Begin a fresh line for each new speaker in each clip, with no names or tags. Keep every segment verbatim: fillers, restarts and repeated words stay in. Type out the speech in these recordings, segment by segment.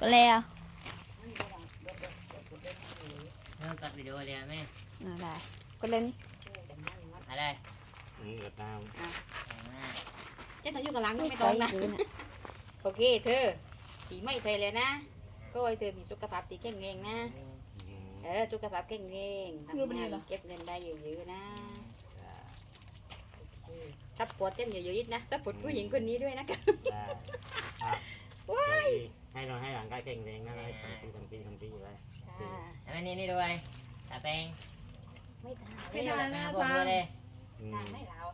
ก็แล้ว
เริ่มตัดวิดีโอเลยแม่
น่าได้ก็เล่น
อะไร
อืมกระตาม
เจ๊ต้องอยู่กับหลัง
ไม่
ไม่
ต้
ต้
อ
อง ง
นะ
นะโอเคเธอสีไม่เธอเลยนะก็ให้เธอมีสุขภาพที่แข็งแรงนะ
อืม
เออสุขภาพแข็งแรงทำงานเก็บเงินได้เยอะๆนะซัพพอร์ตเจ๊เยอะๆนะซัพพอร์ตผู้หญิงคนนี้ด้วยนะคะ
ได้ครับให้เราให้หลังกายแข็งแรงนะให้ทำปีทำปีทำปีอยู่เลย
แล้วนี่นี่ด้วยตาแปง
ไม่ทาน
ไม่ได้นะฟังเลย
อืม
ทานไม่เรา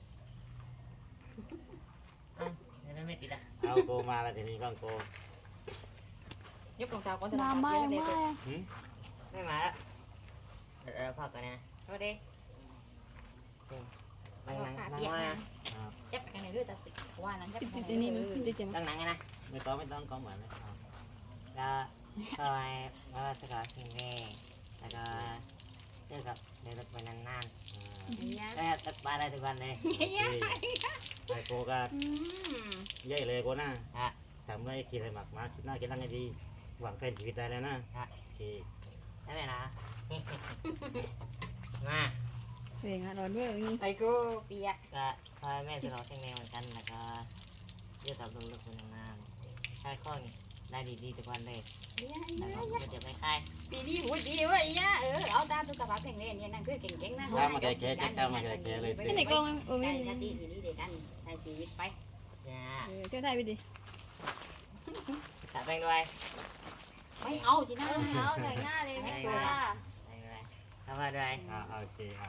แล้วไม่ติดอ่ะ
เอาโกมาแล้วทีนี้ก็โก
ยกรองเท้าก่อน
น้ำไม่ไม่
หืม
ไม่มาแล้วเราพักกันนะ
เอาเด้
นั่งนั่งนั่ง
เปียก
มา
นะจับกันในเรื่องตัดสินว่านั้นจับ
ติด
กั
ติ
น
ด
ใน
นี่
เรื่
มั
อนง
ติดจะมา
นั่งนั่งกันนะ
ไม่ต้องไม่ต้องก็เหมือนนะ
แล้วคอยว่าสกอตทิ้งแม่แล้วก็เจอกับเดินไปนานๆได้ตัดปลาได้ทุกวันเลย
ไอโกก็ใหญ่เลยโกนะทำได้คิดอะไรหมักมาคิดหน้าคิดหลังให้ดีหวังแฟนชีวิตได้แล้วนะโอเค
ได้ไหมนะมา
เสียงอ่ะร้อนด้วยนี่
ไอ้กูเปียก
ก็คอยแม่สกอตทิ้งแม่เหมือนกันแล้วก็เจอกับลูกๆคนงานใช้ข้อได้ดีๆทุกวันเลยแล้วก็จะไม่คาย
ปีนี้หูดีเว้ยย่าเออเอาตาสุขภาพแข็งแรงเนี่ยนั่นคือเก่งๆนะ
ถ้ามาแก่แก่แก่มาแก่แก่เลย
ไม่ไหนกล้องโอ้
ใช่
ไม่
ชาติทีนี้เด็กกันใช้ชีวิตไป
จ้า
เจ้าไทยไปดิ
ตาแปงด้วย
ไม่เอาจีน่า
เอาแต่งหน้าเลยไม่กลัว
แปงด้วยทำมาด้วย
อ่าโอเคอ่า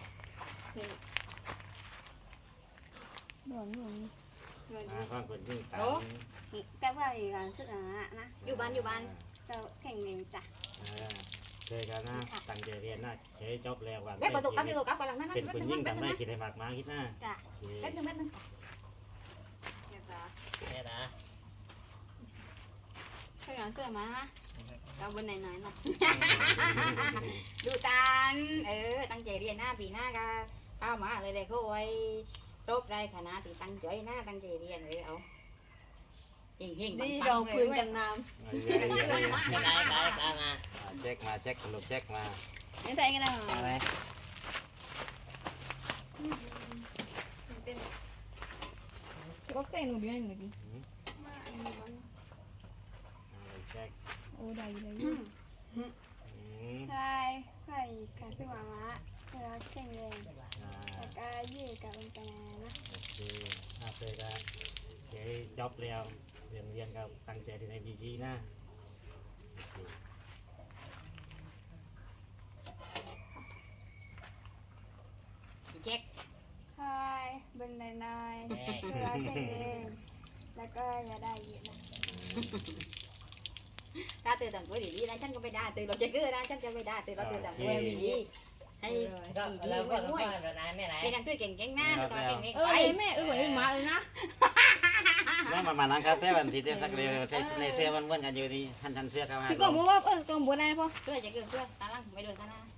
ร้อนร้อน
อ่าก็คนยิ่งตาม
แต่ว่าอีกการศึกษานะ
อยู่บ้านอยู่บ้าน
เราแข่งเรียนจ้ะ
เจอกันนะตั้งใจเรียนนะเฮ้ยจบแล้ววัน
เล็กประตูกับประตูกับกำลังนั่น
เป็นคนยิ่งทำได้คิดอะไรมากมาคิดหน้า
เล็กนึงเล็กนึง
เดี๋ยวจ้ะ
เนี่ยนะ
ช่วยกันเสื้อมานะเราบนไหนหน่อยเนาะ
ดูตันเออตั้งใจเรียนหน้าปีหน้าก็เข้ามาเลยเลยเขาไว้จบได้ขนาดที่ตั้งใจหน้าตั้งใจเรียนเลยเอาเฮงเฮง
นี่รองพื้นกันน้
ไม่ได้ตายตามมา
เช็คมาเช็คสรุปเช็คมา
ำไม่ใช่กันนะ
เอาไว้
ก็ใส่หนูด้วยหนูดิ
เช็ค
โอ้ได้ได้
ใช่ใช่การศึกษามาเราแข่งเรียนแต่ก็ยืดกับมันกันนะ
โอเคอาเจอกันเฮ้ยจบแล้วเรียนเรียนกับตั้งใจที่ในดีดีนะ
เช็ค
ใช่บนไหนหน่อยเราแข่งเรียนแล้วก็อย่าได้เยอะนะ
ถ้าเธอทำตัวดีๆนะฉันก็ไม่ได้เธอเราจะเลือกนะฉันจะไม่ได้เธอเราเธอทำตัวดีๆให้ดี
ก็
ดี
แล้ว
ๆ
ก็
ด้วย
แบบนั้นไม่ไร
เป็นนักด้วยเก่งๆหน้าแล้วก็เก่งๆ
เออ
ไป
แม่เออเหมือนหมาเลยนะ
แล้วมามานั่งคาเฟ่วันที่เต้นสักเร็วในเสื้อมันเหมือนกันอยู่ดีทันทันเสื้อเข้ามา
คือก็บอกว่าเออก็บอกอะไรนะพ่อ
ช่วยจะเกินช่วยตาลังไม่โดนตาหน้า